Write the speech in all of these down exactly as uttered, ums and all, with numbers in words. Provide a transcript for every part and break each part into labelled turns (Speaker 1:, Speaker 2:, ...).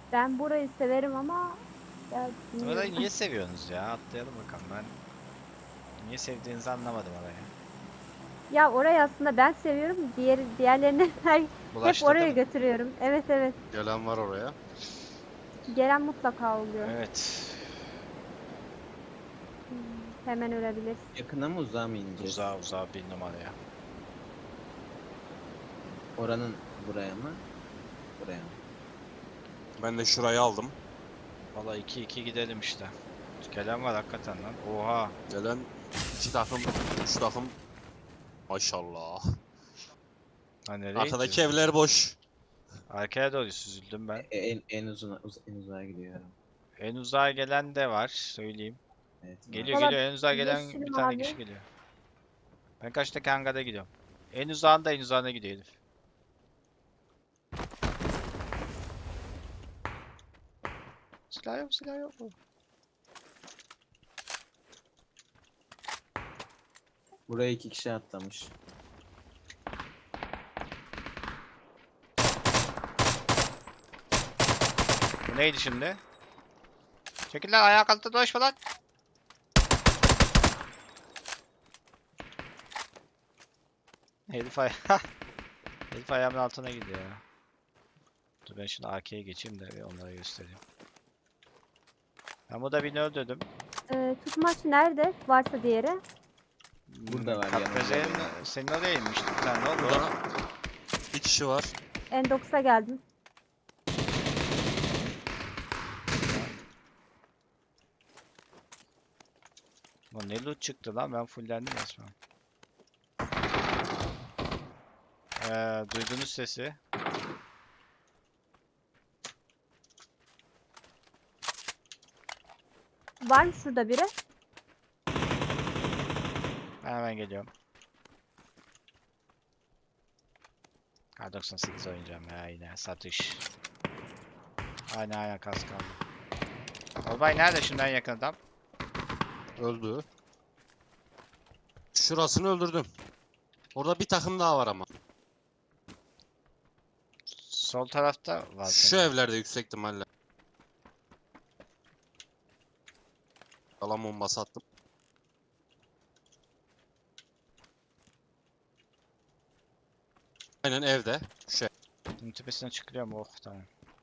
Speaker 1: Ben burayı severim ama ya
Speaker 2: Orayı
Speaker 1: bilmiyorum.
Speaker 2: niye seviyorsunuz ya? Atlayalım bakalım. Ben niye sevdiğinizi anlamadım orayı.
Speaker 1: Ya orayı aslında ben seviyorum. Diğer diğerlerini her hep
Speaker 2: Bulaştırdı
Speaker 1: oraya
Speaker 2: mı?
Speaker 1: götürüyorum. Evet evet.
Speaker 3: Gelen var oraya.
Speaker 1: Gelen mutlaka oluyor.
Speaker 2: Evet.
Speaker 1: Hmm, hemen ölebilir.
Speaker 4: Yakına mı uzağa mı ineceğiz?
Speaker 2: Uzağa uzağa bir numaraya.
Speaker 4: Oranın buraya mı? Buraya mı?
Speaker 3: Ben de şurayı aldım.
Speaker 2: Valla iki iki gidelim işte. Gelen var hakikaten lan. Oha.
Speaker 3: Gelen iki takım, üç takım. Maşallah.
Speaker 2: Ha nereye
Speaker 3: Arkadaki
Speaker 2: gidiyorsun?
Speaker 3: evler boş.
Speaker 2: Arkaya doğru süzüldüm ben.
Speaker 4: E, En, en uzun uz, en uzağa gidiyorum.
Speaker 2: En uzağa gelen de var. Söyleyeyim.
Speaker 4: Evet
Speaker 2: Geliyor
Speaker 4: var.
Speaker 1: Valla
Speaker 2: geliyor. En uzağa gelen
Speaker 1: yeşil
Speaker 2: bir tane
Speaker 1: mavi.
Speaker 2: kişi geliyor. Ben kaçtaki hangara gidiyorum. En uzağında en uzağına gidiyor herif. Silah yok silah yok.
Speaker 4: Buraya iki kişi atlamış.
Speaker 2: Bu neydi şimdi? Çekil lan ayağa kalktı dolaşma lan. Herif aya Herif ayağımın altına gidiyor ya. Dur ben şimdi A K'ye geçeyim de bir onlara göstereyim. Ben burada birini öldürdüm.
Speaker 1: Ee, tutmaç nerede? Varsa diğeri.
Speaker 4: Burada var,
Speaker 2: Kapkaze'nin
Speaker 4: yanımda.
Speaker 2: senin oraya inmişti bir tane ne oldu?
Speaker 3: Burada bir kişi var.
Speaker 1: Endox'a geldim.
Speaker 2: Lan ne loot çıktı lan ben fullendim resmen. Ee, duydunuz sesi.
Speaker 1: Var mı şurada biri?
Speaker 2: Ben hemen geliyorum. Kar doksan sekiz oynayacağım ya yine satış. Aynen aynen kas kaldı. Olbay nerede şimdi en yakın adam?
Speaker 3: Öldü. Şurasını öldürdüm. Orada bir takım daha var ama.
Speaker 2: Sol tarafta var
Speaker 3: Şu
Speaker 2: sanırım.
Speaker 3: evlerde yüksek ihtimalle. Alan bombası attım. Aynen evde. Şu ev.
Speaker 2: Bunun tepesine çıkıyorum oh tamam.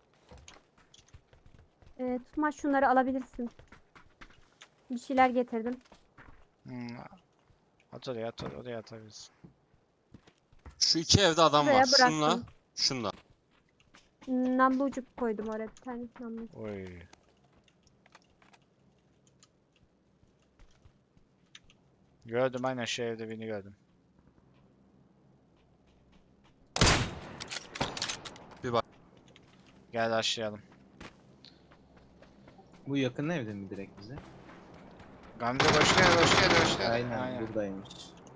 Speaker 1: Ee, tutmaç şunları alabilirsin. Bir şeyler getirdim.
Speaker 2: Hmm. At oraya at oraya, oraya atabiliriz.
Speaker 3: Şu iki evde adam
Speaker 1: Buraya
Speaker 3: var. Şunla,
Speaker 1: bıraktım.
Speaker 3: şunla.
Speaker 1: Namlucuk koydum oraya bir tane namlu.
Speaker 2: Oy. Gördüm aynen şu evde birini gördüm.
Speaker 3: Bir bak.
Speaker 2: Gel başlayalım.
Speaker 4: Bu yakın evde mi direkt bize?
Speaker 2: Gamze hoş geldin hoş geldin hoş geldin.
Speaker 4: Aynen, buradaymış.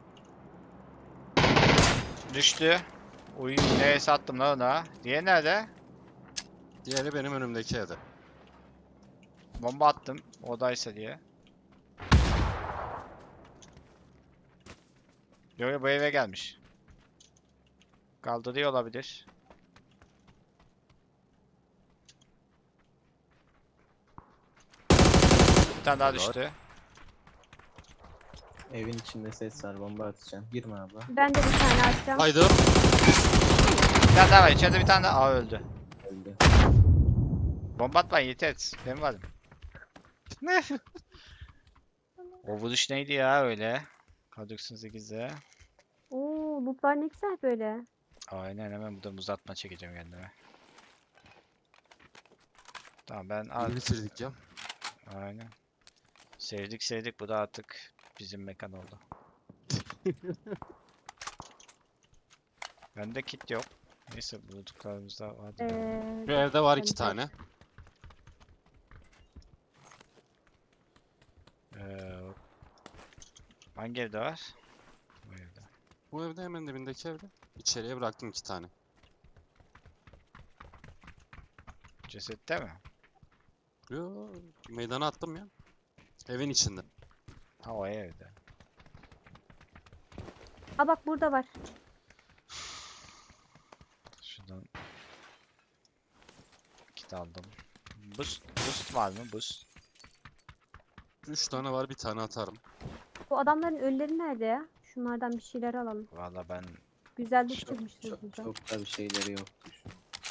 Speaker 2: Düştü. Uy neye sattım lan ona. Diğeri nerede?
Speaker 3: Diğeri benim önümdeki evde.
Speaker 2: Bomba attım. Odaysa diye. Yo yo bu eve gelmiş. Kaldırıyor olabilir. Bir tane daha
Speaker 3: Helal.
Speaker 2: düştü.
Speaker 4: Evin içinde ses var, bomba atacağım. Girme abla.
Speaker 1: Ben de bir tane açacağım.
Speaker 3: Haydi.
Speaker 2: Bir tane daha var. İçeride bir tane daha. Aa öldü.
Speaker 4: Öldü.
Speaker 2: Bomba atmayın yeter. Benim varım. Ne? O vuruş neydi ya öyle? Kar doksan sekizde.
Speaker 1: Oo, lootlar ne güzel böyle.
Speaker 2: Aynen hemen buradan uzatma çekeceğim kendime. Tamam ben
Speaker 3: İyi
Speaker 2: artık
Speaker 3: bitirdik ya.
Speaker 2: aynen. Sevdik sevdik bu da artık bizim mekan oldu. Bende kit yok. Neyse bulduklarımızda vardı.
Speaker 1: Ee,
Speaker 3: Şu evde var iki
Speaker 1: Evet.
Speaker 3: tane.
Speaker 2: Ee, hangi evde var? Bu evde.
Speaker 3: Bu evde hemen dibindeki evde. İçeriye bıraktım iki tane.
Speaker 2: Cesette mi?
Speaker 3: Yo, meydana attım ya. Evin içinde.
Speaker 2: Ha o evde.
Speaker 1: Aa bak burada var.
Speaker 2: Şuradan Boost aldım. Boost, boost var mı? Boost.
Speaker 3: Üç tane var, bir tane atarım.
Speaker 1: Bu adamların ölüleri nerede ya? Şunlardan bir şeyler alalım.
Speaker 2: Valla ben
Speaker 1: Güzel loot
Speaker 4: Çok,
Speaker 1: çıkmıştır
Speaker 4: çok,
Speaker 1: burada.
Speaker 4: çok da bir şeyleri yokmuş.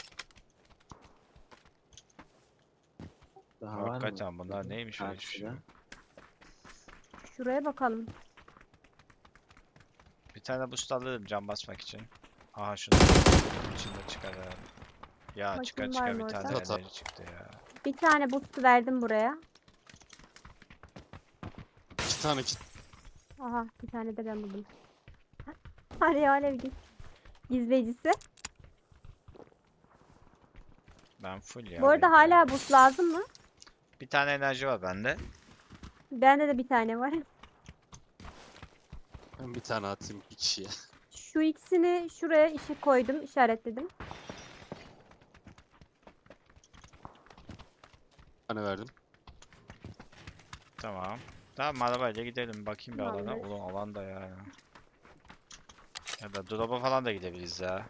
Speaker 4: Daha var mı?
Speaker 2: hakikaten bunlar neymiş öyle hiçbir şey
Speaker 4: Karşıda.
Speaker 2: yok.
Speaker 1: Şuraya bakalım.
Speaker 2: Bir tane boost alırım can basmak için. Aha şunu içinde çıkar herhalde. Ya
Speaker 1: Bakayım
Speaker 2: çıkar
Speaker 1: var
Speaker 2: çıkar
Speaker 1: mı
Speaker 2: bir
Speaker 1: orada?
Speaker 2: tane
Speaker 3: Atar.
Speaker 2: enerji çıktı ya.
Speaker 1: Bir tane boost verdim buraya.
Speaker 3: İki tane kit.
Speaker 1: Aha bir tane de ben buldum. Araya alev giz- gizleyicisi.
Speaker 2: Ben full ya.
Speaker 1: Bu arada
Speaker 2: benim ya.
Speaker 1: hala boost lazım mı?
Speaker 2: Bir tane enerji var bende.
Speaker 1: Bende de bir tane var.
Speaker 3: Ben bir tane atayım bir kişiye.
Speaker 1: Şu ikisini şuraya işi koydum, işaretledim.
Speaker 3: Bir tane verdim.
Speaker 2: Tamam. Tamam arabayla gidelim bakayım bir alana.
Speaker 1: Tamamdır.
Speaker 2: Ulan alan da ya. Ya da drop'a falan da gidebiliriz ya.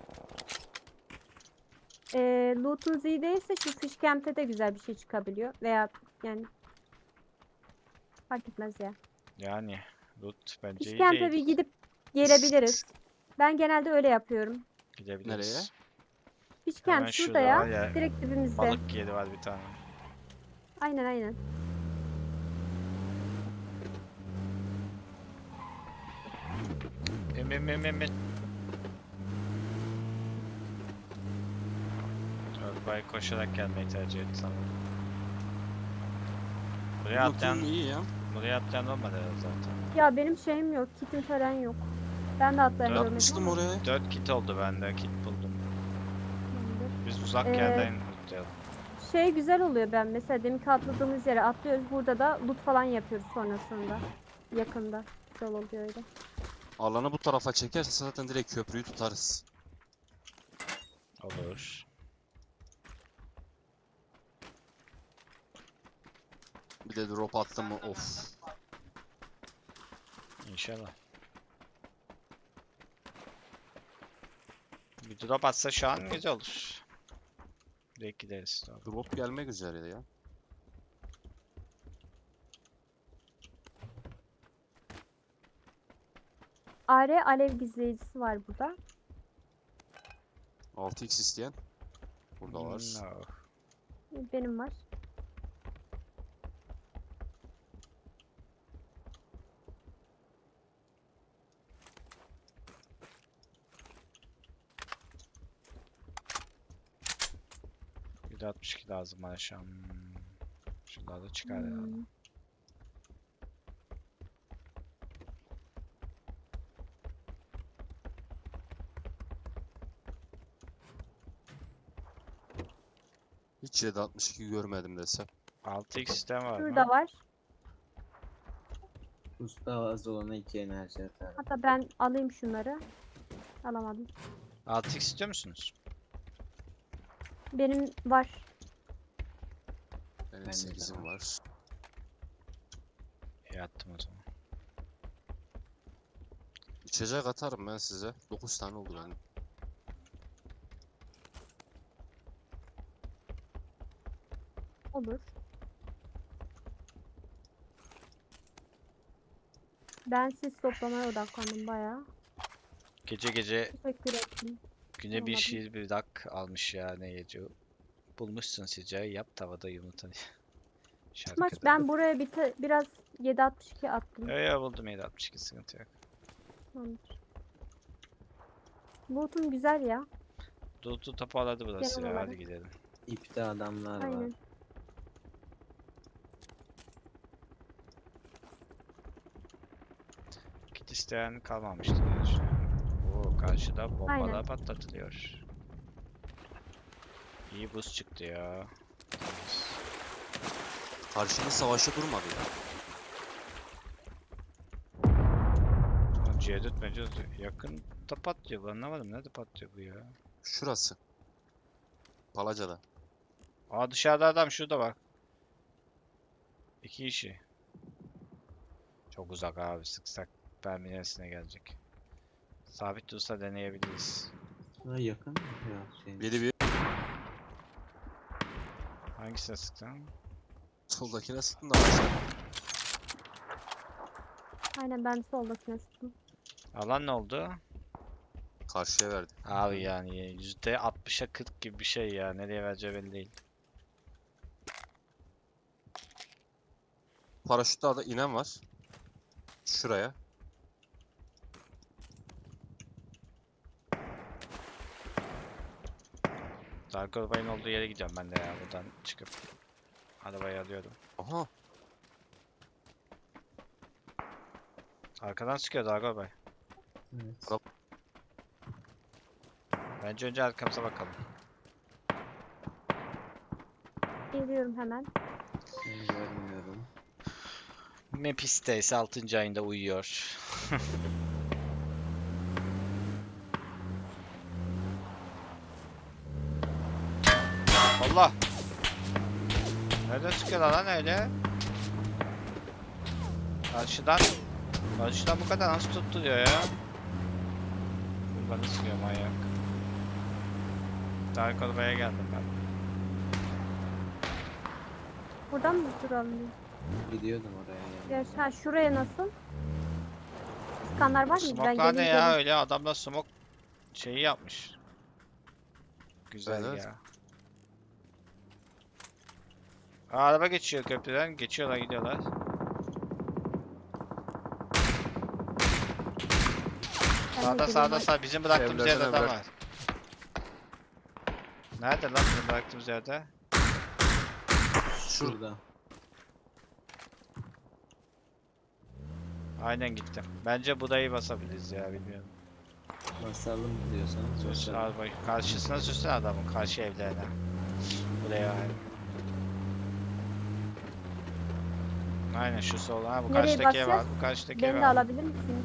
Speaker 1: Ee, loot'unuz iyi değilse şu fish camp'te de güzel bir şey çıkabiliyor. Veya yani fark etmez ya.
Speaker 2: Yani loot bence
Speaker 1: Fish
Speaker 2: iyi
Speaker 1: camp'e
Speaker 2: değil.
Speaker 1: bir gidip gelebiliriz. Ben genelde öyle yapıyorum.
Speaker 2: Gidebiliriz.
Speaker 1: Fish
Speaker 2: Hemen
Speaker 1: camp şurada
Speaker 2: şurada
Speaker 1: ya.
Speaker 2: var ya,
Speaker 1: Direkt dibimizde.
Speaker 2: Balık yeri var bir tane.
Speaker 1: Aynen aynen.
Speaker 2: Em em em em em. Arabayı koşarak gelmeyi tercih etti sanırım. Buraya atlayan,
Speaker 3: Lootum iyi ya.
Speaker 2: buraya atlayan olmadı herhalde zaten.
Speaker 1: Ya benim şeyim yok. Kitim falan yok. Ben de atlayan
Speaker 2: Dört
Speaker 1: görmedim
Speaker 3: Atmıştım
Speaker 1: ama.
Speaker 3: oraya.
Speaker 2: dört kit oldu bende, kit buldum.
Speaker 1: Tamamdır.
Speaker 2: Biz uzak
Speaker 1: Ee,
Speaker 2: yerden lootlayalım.
Speaker 1: Şey güzel oluyor, ben mesela deminki atladığımız yere atlıyoruz. Burada da loot falan yapıyoruz sonrasında. Yakında. Güzel oluyor öyle.
Speaker 3: Alanı bu tarafa çekerse zaten direkt köprüyü tutarız.
Speaker 2: Olur.
Speaker 3: Bir de drop attım mı of.
Speaker 2: İnşallah. Bir drop atsa şu an güzel olur. Direkt gideriz. Tamam.
Speaker 3: Drop gelmek üzere ya.
Speaker 1: A R alev gizleyicisi var burada.
Speaker 3: altı x isteyen. Burada var.
Speaker 2: No.
Speaker 1: Benim var.
Speaker 2: yüz altmış iki lazım bana şu an. Hmm. Şunlar da çıkar herhalde.
Speaker 1: Hmm.
Speaker 3: Hiç yedi altmış iki görmedim desem.
Speaker 2: altı x sistem var
Speaker 1: Şurada
Speaker 2: mı?
Speaker 1: var.
Speaker 4: Usta az olana iki enerji atar.
Speaker 1: Hatta ben alayım şunları. Alamadım.
Speaker 2: altı x istiyor musunuz?
Speaker 1: Benim var.
Speaker 3: Benim
Speaker 4: Bende de
Speaker 3: sekizim
Speaker 4: var.
Speaker 3: var.
Speaker 2: İyi attım o zaman.
Speaker 3: İçecek atarım ben size. dokuz tane oldu benim.
Speaker 1: Olur. Ben siz toplamaya odaklandım bayağı.
Speaker 2: Gece gece
Speaker 1: Teşekkür ederim.
Speaker 2: güne bir
Speaker 1: Olmadı.
Speaker 2: şiir bir dak almış ya ne yazıyor. Bulmuşsun sıcağı yap tavada yumurta diye.
Speaker 1: Maç
Speaker 2: Şarkıda.
Speaker 1: ben buraya bir te- biraz yedi altmış iki attım.
Speaker 2: Yo yo buldum yedi altmış iki sıkıntı yok.
Speaker 1: Tamamdır. Loot'um güzel ya.
Speaker 2: Dudu toparladı burası
Speaker 1: Genel
Speaker 2: ya
Speaker 1: olarak.
Speaker 2: hadi gidelim.
Speaker 4: İpte adamlar var.
Speaker 1: Aynen.
Speaker 2: Kit isteyen kalmamıştı diye düşünüyorum. Oo karşıda bombalar
Speaker 1: Aynen.
Speaker 2: patlatılıyor. İyi buz çıktı ya. Temiz.
Speaker 3: Karşında savaşa durmadı ya.
Speaker 2: Lan C dört bence yakın da patlıyor bu, anlamadım nerede patlıyor bu ya.
Speaker 3: Şurası. Palaca'da.
Speaker 2: Aa dışarıda adam şurada bak. İki kişi. Çok uzak abi, sıksak Berminesine gelecek. Sabit dursa deneyebiliriz.
Speaker 4: Ha, yakın mı? Ya, şey.
Speaker 3: Biri bir.
Speaker 2: Hangisine sıktın?
Speaker 3: Soldakine sıktın da aşağı.
Speaker 1: Aynen ben soldakine sıktım.
Speaker 2: Alan ne oldu?
Speaker 3: Karşıya verdi.
Speaker 2: Abi yani yüzde altmışa kırk gibi bir şey ya. Nereye vereceği belli değil.
Speaker 3: Paraşütle da inen var. Şuraya.
Speaker 2: Dark Orbay'ın olduğu yere gidiyorum ben de ya buradan çıkıp. Arabayı alıyorum.
Speaker 3: Aha.
Speaker 2: Arkadan sıkıyor Dark Orbay.
Speaker 4: Evet.
Speaker 3: Araba-
Speaker 2: Bence önce arkamıza bakalım.
Speaker 1: Geliyorum hemen.
Speaker 4: Ben görmüyorum.
Speaker 2: Mepiste ise altıncı ayında uyuyor. Allah! Nereden sıkıyorlar lan öyle? Karşıdan Karşıdan bu kadar nasıl tutturuyor ya? Bana sıkıyor manyak. Dark Orba'ya geldim ben.
Speaker 1: Buradan mı duralım?
Speaker 4: Gidiyordum oraya yani.
Speaker 1: Ya ha, şuraya nasıl? Skanlar var mı? Ben
Speaker 2: Smoke'lar ne
Speaker 1: geleyim
Speaker 2: ya
Speaker 1: geleyim.
Speaker 2: öyle adamlar smoke şeyi yapmış. Güzel
Speaker 3: Evet.
Speaker 2: ya. Aa, araba geçiyor köprüden. Geçiyorlar gidiyorlar.
Speaker 1: Ben de
Speaker 2: Sağda
Speaker 1: geleyim
Speaker 2: sağda
Speaker 1: bak.
Speaker 2: sağ bizim bıraktığımız
Speaker 3: Evlerden
Speaker 2: yerde adam
Speaker 3: evler.
Speaker 2: var. Nerede lan bizim bıraktığımız yerde?
Speaker 4: Şurada.
Speaker 2: Aynen gittim. Bence budayı basabiliriz ya bilmiyorum.
Speaker 4: Basalım diyorsanız
Speaker 2: Süs,
Speaker 4: basalım.
Speaker 2: araba, karşısına sürsene adamın karşı evlerine. Buraya aynen. Aynen şu sol. Ha bu
Speaker 1: Nereye
Speaker 2: karşıdaki ev var.
Speaker 1: basacağız?
Speaker 2: Bu karşıdaki ev
Speaker 1: Beni de
Speaker 2: var.
Speaker 1: alabilir misiniz?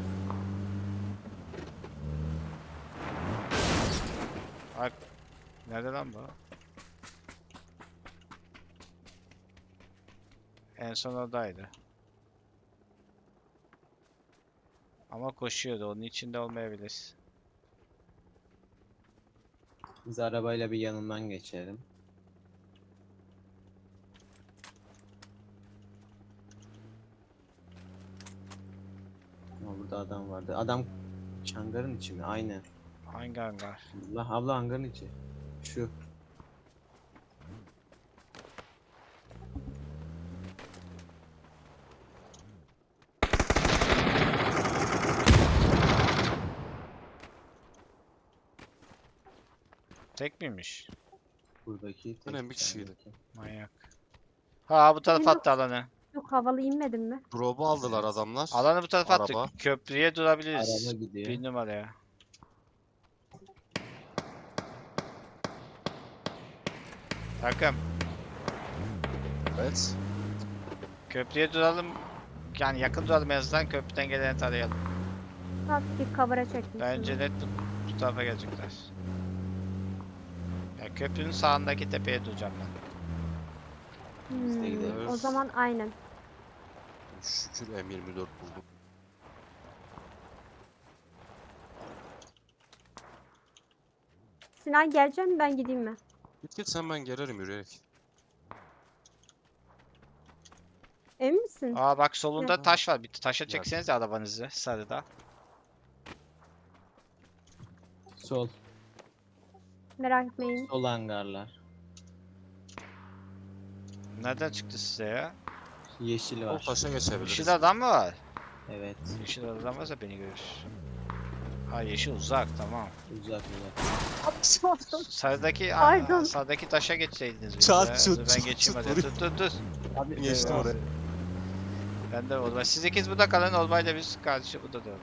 Speaker 2: Bak. Nerede lan bu? En son oradaydı. Ama koşuyordu. Onun içinde olmayabilir.
Speaker 4: Biz arabayla bir yanından geçelim. Ama burada adam vardı. Adam hangarın içi mi? Aynen.
Speaker 2: Hangi hangar?
Speaker 4: Allah abla hangarın içi. Şu.
Speaker 2: Tek miymiş?
Speaker 4: Buradaki tek
Speaker 3: Aynen, bir kişiydi.
Speaker 4: taraftaki.
Speaker 2: Manyak. Ha bu tarafa
Speaker 1: Benim-
Speaker 2: attı alanı.
Speaker 1: Çok havalı inmedim mi?
Speaker 3: Drop'u aldılar adamlar.
Speaker 2: Alanı bu tarafa attık.
Speaker 3: Araba.
Speaker 2: Köprüye durabiliriz.
Speaker 4: Araba gidiyor.
Speaker 2: Bir numaraya. Takım.
Speaker 3: Evet.
Speaker 2: Köprüye duralım. Yani yakın duralım en azından köprüden geleni tarayalım.
Speaker 1: Hafif bir cover'a çektim.
Speaker 2: Bence net bu, bu tarafa gelecekler. Ya köprünün sağındaki tepeye duracağım ben.
Speaker 4: Biz de
Speaker 1: Hmm,
Speaker 4: gidelim.
Speaker 1: o zaman aynen.
Speaker 3: Şükür M yirmi dört buldum.
Speaker 1: Sinan gelecek mi ben gideyim mi?
Speaker 3: Git git sen, ben gelirim yürüyerek.
Speaker 1: Emin misin?
Speaker 2: Aa bak solunda
Speaker 3: Ya.
Speaker 2: taş var. Bir taşa
Speaker 3: Ya.
Speaker 2: çeksenize arabanızı sarıda.
Speaker 4: Sol.
Speaker 1: Merak etmeyin.
Speaker 4: Sol hangarlar.
Speaker 2: Nereden çıktı size ya?
Speaker 4: Yeşil
Speaker 3: O
Speaker 4: var.
Speaker 3: taşa geçebiliriz.
Speaker 2: Yeşil adam mı var?
Speaker 4: Evet.
Speaker 2: Yeşil adam varsa beni görür. Ha yeşil uzak tamam.
Speaker 4: Uzak uzak.
Speaker 1: Sordum.
Speaker 2: Sarıdaki,
Speaker 1: Pardon.
Speaker 2: aa, sağdaki taşa geçseydiniz bir
Speaker 3: Çat,
Speaker 2: de.
Speaker 3: çut,
Speaker 2: Dur ben
Speaker 3: çut,
Speaker 2: geçeyim
Speaker 3: çut
Speaker 2: hadi.
Speaker 3: vuruyor.
Speaker 2: Dur dur dur.
Speaker 4: Abi
Speaker 3: Geçtim
Speaker 2: Eyvah.
Speaker 3: oraya.
Speaker 2: Ben de Olbay. Siz ikiniz burada kalın. Olbay'la biz karşı burada duralım.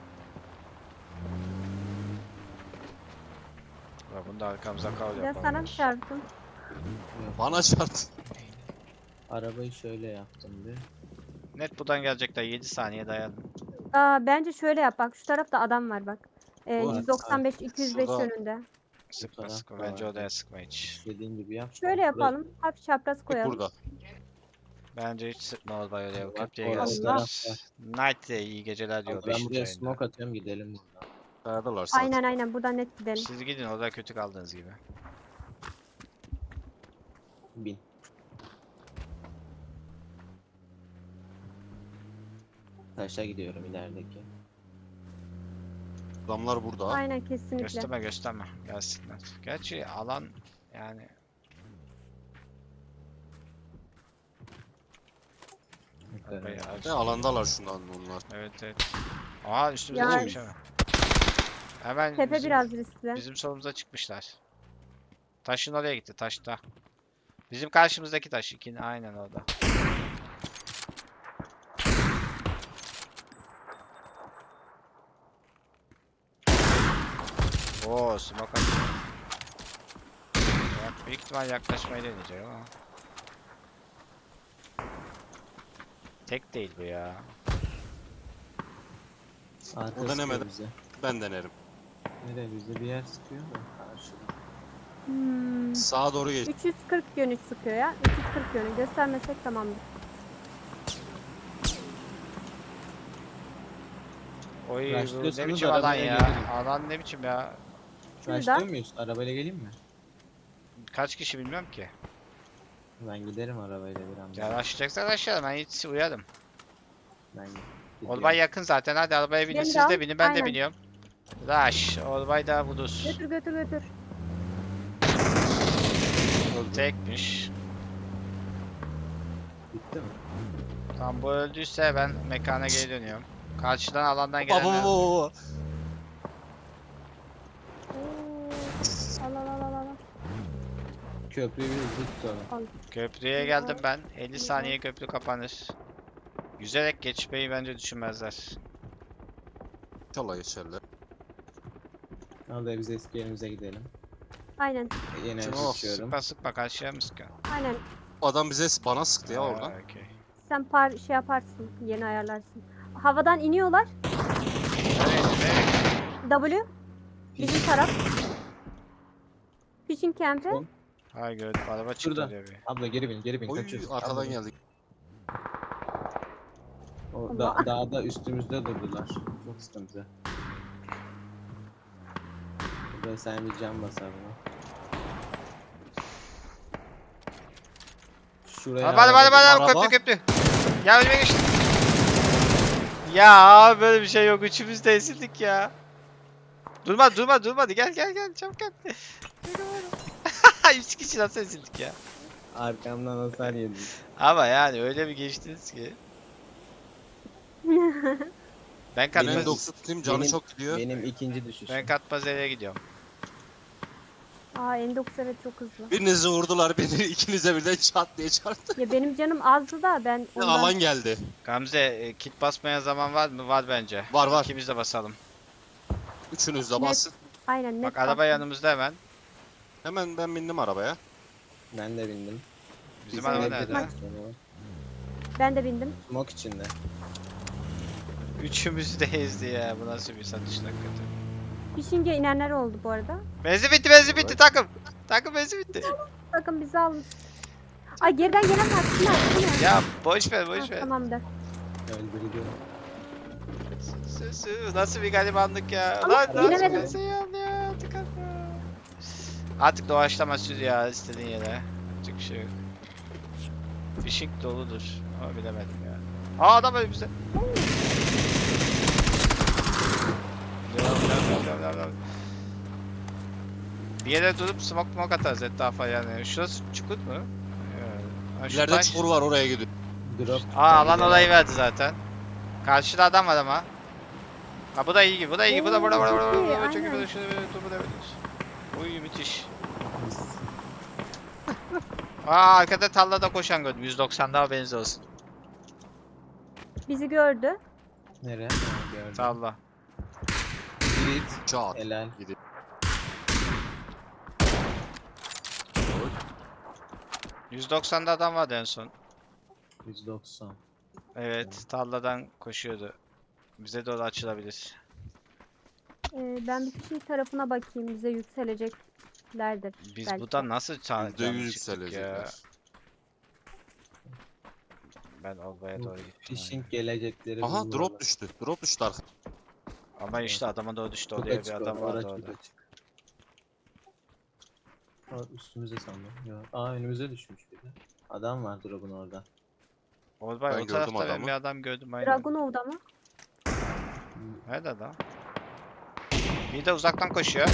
Speaker 2: Bak bunu da arkamıza kal
Speaker 1: Ya
Speaker 2: yapalım.
Speaker 1: sana mı çarptım?
Speaker 3: Bana çarptı.
Speaker 4: arabayı şöyle yaptım bir.
Speaker 2: Net buradan gelecekler. yedi saniye dayanın.
Speaker 1: Aa, bence şöyle yap bak. Şu tarafta adam var bak. Ee,
Speaker 3: Var.
Speaker 1: yüz doksan beş iki yüz beş
Speaker 3: Şurada.
Speaker 1: yönünde.
Speaker 2: Sıkma
Speaker 4: taraf
Speaker 2: sıkma.
Speaker 4: da
Speaker 2: Bence
Speaker 4: var.
Speaker 2: odaya sıkma hiç.
Speaker 4: İstediğin gibi yap.
Speaker 1: Şöyle
Speaker 4: Burası-
Speaker 1: yapalım. Hafif çapraz
Speaker 3: Tek
Speaker 1: koyalım.
Speaker 3: burada.
Speaker 2: Bence hiç sıkma Olbay oraya. O
Speaker 4: Bak,
Speaker 2: köprüye
Speaker 4: orada
Speaker 2: gelsinler.
Speaker 4: taraf var.
Speaker 2: Night de iyi geceler diyor.
Speaker 4: Abi ben
Speaker 2: beşinci
Speaker 4: buraya
Speaker 2: ayında.
Speaker 4: smoke atıyorum gidelim buradan.
Speaker 3: Kayadılar zaten.
Speaker 1: Aynen aynen buradan net gidelim.
Speaker 2: Siz gidin orada kötü kaldığınız gibi.
Speaker 4: Bin. Taşa gidiyorum ilerideki.
Speaker 3: Adamlar burada.
Speaker 1: Aynen kesinlikle.
Speaker 2: Gösterme gösterme. Gelsinler. Gerçi alan yani
Speaker 4: Yukarı.
Speaker 2: bayağı
Speaker 3: Ne
Speaker 2: açtı.
Speaker 3: alandalar şundan onlar.
Speaker 2: Evet evet. Aa üstümüze
Speaker 1: Yani-
Speaker 2: çıkmış hemen. Hemen
Speaker 1: Tepe
Speaker 2: bizim,
Speaker 1: biraz riskli.
Speaker 2: bizim solumuza çıkmışlar. Taşın oraya gitti taşta. Bizim karşımızdaki taş ikini aynen orada. Oo smoke atıyor. Ya, büyük ihtimal yaklaşmayı deneyecek ama. Tek değil bu ya.
Speaker 4: Arka
Speaker 3: O denemedi.
Speaker 4: sıkıyor bize.
Speaker 3: Ben denerim.
Speaker 4: Nereye bize bir yer sıkıyor da karşıda.
Speaker 1: Hmm.
Speaker 3: Sağa doğru geç.
Speaker 1: üç yüz kırk yönü sıkıyor ya. üç yüz kırk yönü. Göstermesek tamamdır.
Speaker 2: Oy bu ne
Speaker 4: Rushlıyorsanız
Speaker 2: biçim alan
Speaker 4: arabaya
Speaker 2: ya.
Speaker 4: gelirim.
Speaker 2: Alan ne biçim ya.
Speaker 1: Şurada.
Speaker 4: Başlıyor muyuz? Arabayla geleyim mi?
Speaker 2: Kaç kişi bilmiyorum ki.
Speaker 4: Ben giderim arabayla bir anda.
Speaker 2: Ya başlayacaksan aşağıya ben hiç uyarım.
Speaker 4: Ben gidiyorum.
Speaker 2: Orbay yakın zaten hadi arabaya binin
Speaker 1: Beni
Speaker 2: siz
Speaker 1: de al,
Speaker 2: de binin ben de
Speaker 1: aynen.
Speaker 2: biniyorum. Rush Orbay da budur.
Speaker 1: Götür götür götür.
Speaker 2: Tekmiş.
Speaker 4: Bitti mi?
Speaker 2: Tam bu öldüyse ben mekana geri dönüyorum. Karşıdan alandan
Speaker 3: Baba
Speaker 2: gelenler.
Speaker 3: baba.
Speaker 1: Oo. Al al al al al.
Speaker 4: Köprüyü bir hızlı tutalım.
Speaker 2: Köprüye geldim ben. elli saniye köprü kapanır. Yüzerek geçmeyi bence düşünmezler.
Speaker 3: İnşallah geçerler.
Speaker 4: Al da biz eski yerimize gidelim.
Speaker 1: Aynen.
Speaker 4: E, Yine
Speaker 3: Şimdi o
Speaker 4: geçiyorum.
Speaker 2: Sıkma sıkma karşıya mı sıkıyor?
Speaker 1: Aynen.
Speaker 3: Adam bize bana sıktı ya oradan.
Speaker 2: Aa, okey.
Speaker 1: Sen par şey yaparsın. Yeni ayarlarsın. Havadan iniyorlar.
Speaker 2: Evet, evet.
Speaker 1: W. Bizim taraf. Fishing camp'e.
Speaker 4: Son.
Speaker 2: Hay gördüm araba çıktı
Speaker 4: Şurada.
Speaker 2: oraya bir.
Speaker 4: Abla geri bin, geri bin.
Speaker 3: Oy
Speaker 4: Kaçıyoruz.
Speaker 3: arkadan
Speaker 4: Abla.
Speaker 3: geldik.
Speaker 4: O da, dağda üstümüzde durdular. Çok sıkıntı. Burada sen bir can basar buna. Şuraya
Speaker 2: Hadi hadi hadi hadi
Speaker 3: Araba.
Speaker 2: köprü köprü. Ya önüme geçti. Ya böyle bir şey yok üçümüz de ezildik ya. Durma durma durma hadi gel gel gel çabuk gel. Üç kişi nasıl ezildik ya.
Speaker 4: arkamdan hasar yedim.
Speaker 2: Ama yani öyle bir geçtiniz ki. Ben
Speaker 3: Benim
Speaker 2: katmaz,
Speaker 3: dokuz tutayım canı
Speaker 4: benim-
Speaker 3: çok gidiyor.
Speaker 4: Benim ikinci düşüşüm.
Speaker 2: ben katmazere gidiyorum.
Speaker 1: Aa N dokuz evet çok hızlı.
Speaker 3: Birinizi vurdular beni ikinize birden çat diye çarptı.
Speaker 1: Ya benim canım azdı da ben ondan...
Speaker 3: Alan geldi.
Speaker 2: Gamze e, kit basmaya zaman var mı? Var bence.
Speaker 3: Var var.
Speaker 2: İkimiz de basalım.
Speaker 3: Üçünüz de
Speaker 1: Net.
Speaker 3: basın.
Speaker 1: Aynen net
Speaker 2: Bak araba
Speaker 1: bastım.
Speaker 2: yanımızda hemen.
Speaker 3: Hemen ben bindim arabaya.
Speaker 4: Ben de bindim.
Speaker 2: Bizim
Speaker 4: Biz
Speaker 2: araba
Speaker 4: evde
Speaker 2: nerede?
Speaker 4: de-
Speaker 1: Ben de bindim.
Speaker 4: Smoke içinde.
Speaker 2: Üçümüzü de ezdi ya. Bu nasıl bir satış hakikaten.
Speaker 1: Fishing'e inenler oldu bu arada.
Speaker 2: Benzin bitti benzin bitti takım. Takım benzin bitti.
Speaker 1: Bakın bizi alın. Ay geriden gelen var. Kim var? Kim var?
Speaker 2: Ya boş ver boş
Speaker 1: Ha,
Speaker 2: ver.
Speaker 1: tamamdır.
Speaker 4: Öldürdü.
Speaker 2: Sözü nasıl bir garibanlık ya.
Speaker 1: Ama
Speaker 2: Lan nasıl
Speaker 1: bilemedim.
Speaker 2: bir şey ya. Tıkan. Artık doğaçlama sür ya istediğin yere. Yapacak bir şey yok. Fishing doludur. Ama bilemedim ya. Aa adam önümüzde. Devam, devam, devam, devam, devam. Bir yere durup smoke smoke atarız etrafa yani. Şurası çukur mu? Evet. Ha, şu
Speaker 3: İleride
Speaker 2: taş-
Speaker 3: çukur var oraya gidiyor.
Speaker 4: Drop.
Speaker 2: Aa alan olayı verdi zaten. Karşıda adam var ama. Ha bu da iyi gibi, bu da iyi gibi, bu da burada, burada,
Speaker 1: Oo,
Speaker 2: burada,
Speaker 1: çok iyi,
Speaker 2: burada, çok iyi,
Speaker 1: aynen.
Speaker 2: burada, şurada, böyle, dur, burada, böyle. Uy müthiş. Aa arkada tarlada koşan gördüm, yüz doksanda haberiniz olsun.
Speaker 1: Bizi gördü.
Speaker 4: Nereye? Ha, gördüm.
Speaker 2: Tarla.
Speaker 4: Git.
Speaker 3: Çat.
Speaker 4: Helal.
Speaker 3: Gidiyor.
Speaker 2: yüz doksanda adam vardı en son.
Speaker 4: yüz doksan.
Speaker 2: Evet, tarladan koşuyordu. Bize doğru açılabilir.
Speaker 1: Ee, ben bir fishing tarafına bakayım. Bize yükseleceklerdir.
Speaker 2: Biz
Speaker 1: belki.
Speaker 2: buradan nasıl
Speaker 3: Yüzde
Speaker 2: çağıracağız
Speaker 3: yüz
Speaker 2: çıktık ya.
Speaker 3: yükselecekler.
Speaker 2: Ben Olba'ya doğru gittim.
Speaker 4: Fishing gelecekleri
Speaker 3: Aha
Speaker 4: bulurlar.
Speaker 3: drop düştü. Drop düştü arka.
Speaker 2: Ama işte adama doğru düştü,
Speaker 4: Çok
Speaker 2: oraya bir
Speaker 4: açık
Speaker 2: adam
Speaker 4: orada,
Speaker 2: vardı
Speaker 4: çok
Speaker 2: orada.
Speaker 4: açık. Aa, üstümüze sandım. Yok. Aa önümüze düşmüş bir de. Adam var drop'un orada.
Speaker 2: Orbay
Speaker 3: Ben
Speaker 2: o
Speaker 3: gördüm
Speaker 2: tarafta ben
Speaker 3: adamı.
Speaker 2: bir adam gördüm aynen.
Speaker 1: Dragunov'da mı?
Speaker 2: Nerede adam? Bir de uzaktan koşuyor.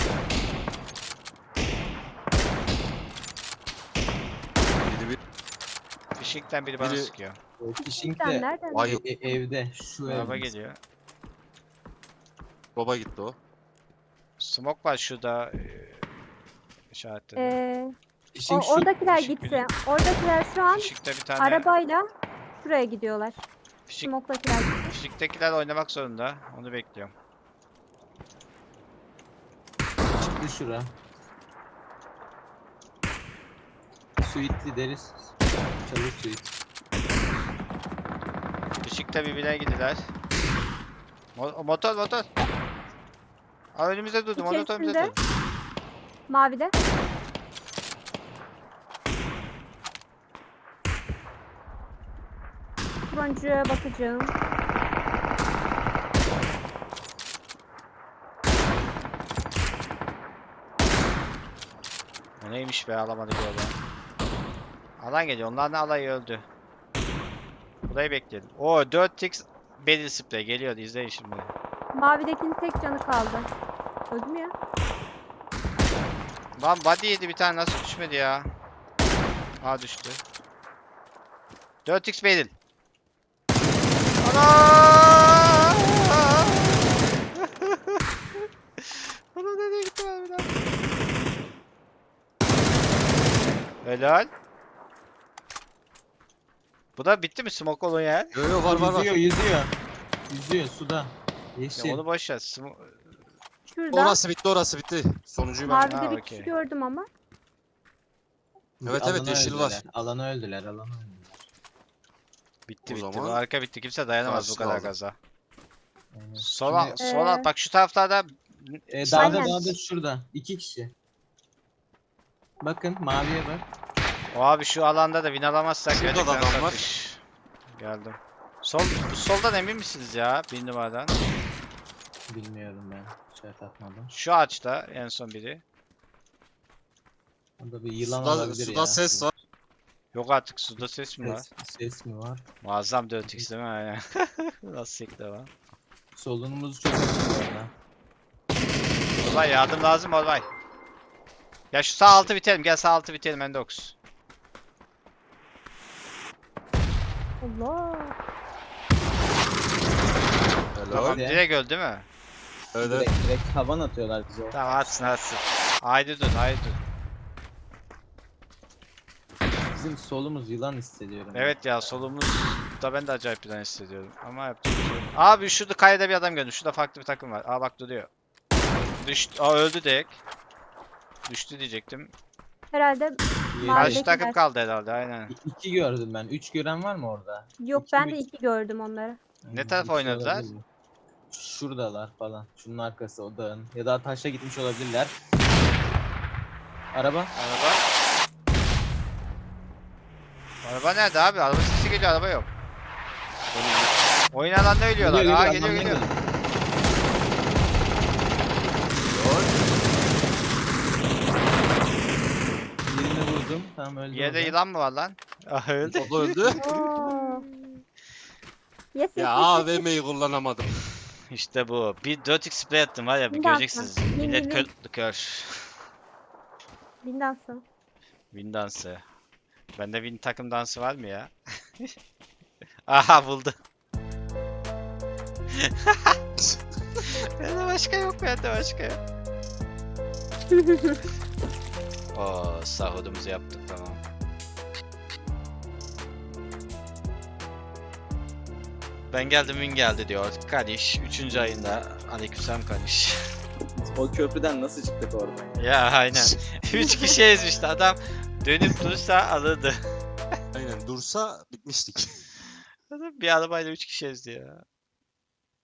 Speaker 3: Biri bir
Speaker 2: Fişikten biri bana
Speaker 3: Biri-
Speaker 2: sıkıyor.
Speaker 4: Fishing
Speaker 1: Sen
Speaker 4: de
Speaker 1: nereden?
Speaker 3: Vay
Speaker 4: e- e- evde. Şu
Speaker 2: Araba
Speaker 4: evde.
Speaker 2: geliyor.
Speaker 3: baba gitti o.
Speaker 2: Smoke var şurada. eee, işaretledim.
Speaker 1: Ee, o,
Speaker 4: Fishing şu.
Speaker 1: oradakiler
Speaker 2: fişik
Speaker 1: gitsin. Oradakiler şu an
Speaker 2: Fişikte bir tane.
Speaker 1: arabayla şuraya gidiyorlar.
Speaker 2: Fişik,
Speaker 1: Smoke'dakiler gitti.
Speaker 2: fişiktekiler oynamak zorunda. Onu bekliyorum.
Speaker 4: Çıktı şura. Suitli deriz. Çalı suit.
Speaker 2: Fişikte birbirine gidiler. Mo- motor motor. Aa, önümüzde durdu. Motor önümüzde
Speaker 1: İçerisinde.
Speaker 2: durdu.
Speaker 1: Mavide. Turuncuya bakacağım.
Speaker 2: O neymiş be alamadık orada. Alan geliyor. Onlar ne alayı öldü. Burayı bekleyelim. Oo dört x Barrel Spray geliyor. İzleyin şimdi.
Speaker 1: Mavidekinin tek canı kaldı. Öldü mü ya?
Speaker 2: Lan body yedi bir tane nasıl düşmedi ya? Aa düştü. dört x Barrel. Ana! Ana nereye gitti abi lan? Helal. Bu da bitti mi smoke olan yer?
Speaker 3: Yo yo var var var.
Speaker 4: Yüzüyor yüzüyor. Yüzüyor suda. Yeşil.
Speaker 2: Ya onu boş ver. Smo-
Speaker 1: Şurada.
Speaker 3: Orası bitti orası bitti. Sonuncuyu ben.
Speaker 1: Mavide
Speaker 2: Ha,
Speaker 1: bir
Speaker 2: okey.
Speaker 1: kişi gördüm ama.
Speaker 3: Evet, evet,
Speaker 4: Alana
Speaker 3: yeşil
Speaker 4: öldüler.
Speaker 3: var.
Speaker 4: Alana öldüler alana öldüler.
Speaker 2: Bitti
Speaker 3: O
Speaker 2: bitti. Bu
Speaker 3: zaman
Speaker 2: arka bitti. Kimse dayanamaz bu
Speaker 3: karşısı
Speaker 2: kadar
Speaker 3: lazım.
Speaker 2: gaza.
Speaker 4: Aynen.
Speaker 2: Sol al,
Speaker 4: Şimdi,
Speaker 2: sol al.
Speaker 1: Ee,
Speaker 2: Bak şu taraflarda
Speaker 4: e,
Speaker 2: sağ-
Speaker 4: dağda
Speaker 1: Aynen.
Speaker 4: dağda şurada. İki kişi. Bakın maviye bak.
Speaker 2: O abi şu alanda da win alamazsak
Speaker 3: Şurada da
Speaker 2: gerçekten
Speaker 3: adam var.
Speaker 2: satış. Geldim. Sol, bu soldan emin misiniz ya? Bir numaradan.
Speaker 4: Bilmiyorum ben. Şey takmadım.
Speaker 2: Şu ağaçta en son biri.
Speaker 4: Orada bir yılan
Speaker 3: Suda,
Speaker 4: olabilir
Speaker 3: suda
Speaker 4: ya.
Speaker 3: ses var.
Speaker 2: Yok artık suda ses mi var?
Speaker 4: Ses, ses mi var?
Speaker 2: Muazzam dört x değil mi? Aynen. Nasıl sekti ama.
Speaker 4: Solunumuz çok açık bu arada.
Speaker 2: Orbay yardım lazım Orbay. Ya şu sağ altı bitelim. Gel sağ altı bitelim Endox.
Speaker 1: Allah.
Speaker 3: Helal.
Speaker 2: Tamam
Speaker 4: Hadi.
Speaker 2: direkt öldü değil mi?
Speaker 3: Evet, evet.
Speaker 4: Direkt, direkt havan atıyorlar bize.
Speaker 2: Tamam atsın atsın. Haydi dur haydi dur.
Speaker 4: Bizim solumuz yılan hissediyorum.
Speaker 2: Evet ya solumuz da ben de acayip bir tane hissediyorum. Ama yapacak bir şey yok. Abi şurada kayada bir adam gördüm. Şurada farklı bir takım var. Aa bak duruyor. Düştü. Aa öldü direkt. Düştü diyecektim.
Speaker 1: Herhalde
Speaker 4: Yedi.
Speaker 1: Mavi-
Speaker 2: Karşı takım
Speaker 1: Mavidekiler.
Speaker 2: kaldı herhalde aynen.
Speaker 4: İ- İki gördüm ben. Üç gören var mı orada?
Speaker 1: yok
Speaker 4: İki
Speaker 1: ben
Speaker 4: mi?
Speaker 1: de iki gördüm onları.
Speaker 2: Ne tarafa
Speaker 4: İki
Speaker 2: oynadılar?
Speaker 4: olabilir mi? Şuradalar falan. Şunun arkası o dağın. Ya da taşa gitmiş olabilirler. Araba.
Speaker 2: Araba. Araba nerede abi? Araba sesi geliyor araba yok. Oyun alanında ölüyorlar. Aa geliyor
Speaker 4: anlamdan
Speaker 2: geliyor.
Speaker 4: Birini vurdum. Tamam öldü.
Speaker 2: Yerde
Speaker 4: orada.
Speaker 2: yılan mı var lan? Ah öldü.
Speaker 3: O da öldü.
Speaker 1: Oo. Yes yes
Speaker 3: Ya
Speaker 1: yes, yes, yes.
Speaker 3: A V M'yi kullanamadım.
Speaker 2: İşte bu. Bir dört x spray attım var ya bir
Speaker 1: Bir dakika.
Speaker 2: göreceksiniz.
Speaker 1: Bin,
Speaker 2: Millet
Speaker 1: bin,
Speaker 2: kör,
Speaker 1: bin.
Speaker 2: kör.
Speaker 1: Bin dansı.
Speaker 2: Win dansı. Bende win takım dansı var mı ya? Aha buldu. Bende başka yok, bende başka yok. Oo, sahurumuzu yaptık tamam. Ben geldim win geldi diyor. Kaniş üçüncü ayında. Aleykümselam Kaniş.
Speaker 4: O köprüden nasıl çıktık oradan?
Speaker 2: Ya aynen. üç kişi ezmişti adam. Dönüp dursa alırdı.
Speaker 3: Aynen dursa bitmiştik.
Speaker 2: Adam bir arabayla üç kişi ezdi ya.